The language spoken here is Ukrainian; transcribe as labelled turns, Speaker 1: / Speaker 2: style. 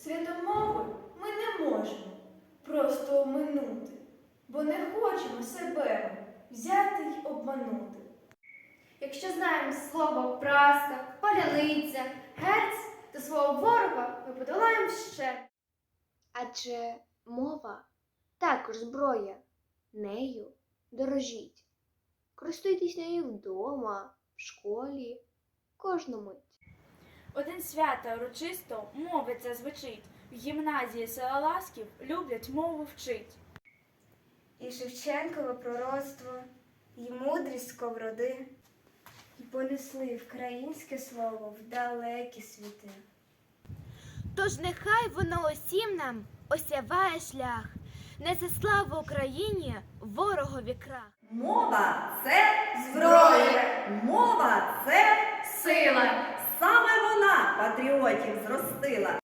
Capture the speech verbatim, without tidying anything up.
Speaker 1: Свято мови ми не можемо просто оминути, бо не хочемо себе взяти й обманути.
Speaker 2: Якщо знаємо слово праска, паляниця, герць, то свого ворога ми подолаємо ще.
Speaker 3: Адже мова також зброя. Нею дорожіть. Користуйтесь нею вдома, в школі, кожну мить.
Speaker 4: Один свята урочисто мовиця звучить. В гімназії села Ласків люблять мову вчить.
Speaker 5: І Шевченкове пророцтво, і мудрість сковороди, і понесли вкраїнське слово в далекі світи.
Speaker 6: Тож нехай воно усім нам осяває шлях, несе славу Україні, ворогові крах.
Speaker 7: Мова – це зброя, мова – це
Speaker 2: Сила!
Speaker 7: саме вона патріотів зростила.